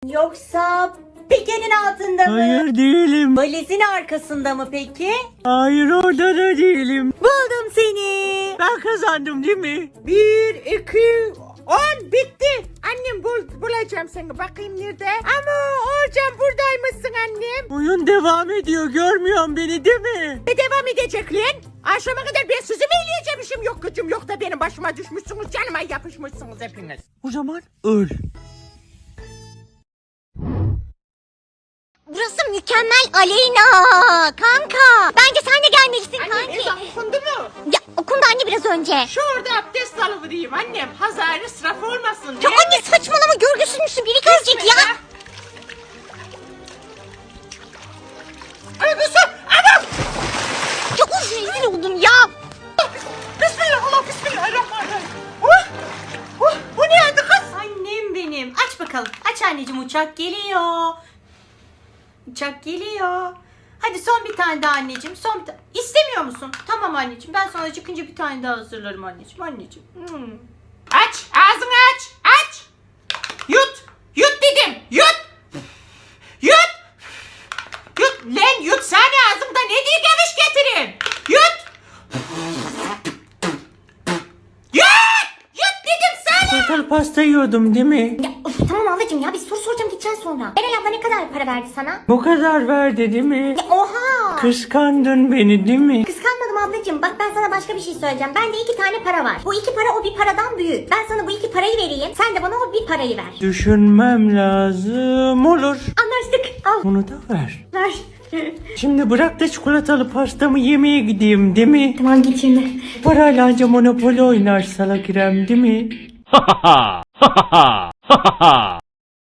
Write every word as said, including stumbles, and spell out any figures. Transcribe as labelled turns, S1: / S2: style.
S1: Yoksa pikenin altında mı?
S2: Hayır değilim.
S1: Valizin arkasında mı peki?
S2: Hayır orada da değilim.
S1: Buldum seni.
S2: Ben kazandım değil mi?
S3: Bir, iki, on bitti. Annem bul, bulacağım seni. Bakayım nerede? Ama hocam buradaymışsın annem.
S2: Oyun devam ediyor, görmüyorsun beni değil mi?
S3: Ne devam edecek lan? Akşama kadar ben sizi mi eleyeceğim, işim yok gücüm yok da benim başıma düşmüşsünüz, canıma yapışmışsınız hepiniz.
S2: O zaman öl.
S4: Burası mükemmel Aleyna. Kanka. Bence sen de gelmelisin
S3: Annem
S4: kanki.
S3: ezan okundu mu?
S4: Ya okundu anne biraz önce.
S3: Şu orada abdest alıvereyim annem. Hazar ısraf olmasın
S4: Ya
S3: diye.
S4: anne saçmalama görgüsüz müsün? Biri görecek ya.
S3: Öbüsü! Anam!
S4: Ya uf rezil oldum ya.
S3: Bismillah, Allah bismillahirrahmanirrahim. Oh! Oh! Bu ne adı kız?
S1: Annem benim. Aç bakalım. Aç anneciğim, uçak geliyor. Uçak geliyor. Hadi son bir tane daha anneciğim. Son bir tane. İstemiyor musun? Tamam anneciğim. Ben sana çıkınca bir tane daha hazırlarım anneciğim. Anneciğim. Hmm.
S3: Aç, ağzını aç, aç. Yut, yut dedim, yut. Yut. Yut, lan yutsana ağzımda ne diye geviş getirin. Yut. Yut, yut dedim sana.
S2: Portal pasta yiyordum değil mi?
S4: Ya of, tamam ablacığım ya bir soru soracağım gideceksin sonra. Eren abla ne kadar para verdi sana?
S2: Bu kadar verdi değil mi?
S4: Ya oha.
S2: Kıskandın beni değil mi?
S4: Kıskanmadım ablacığım. Bak ben sana başka bir şey söyleyeceğim. Bende iki tane para var. Bu iki para o bir paradan büyük. Ben sana bu iki parayı vereyim. Sen de bana o bir parayı ver.
S2: Düşünmem lazım. Olur.
S4: Anlaştık. Al.
S2: Bunu da ver.
S4: Ver.
S2: Şimdi bırak da çikolatalı pastamı yemeye gideyim değil mi?
S4: Tamam git şimdi.
S2: Parayla anca Monopoly oynar salak İrem değil mi?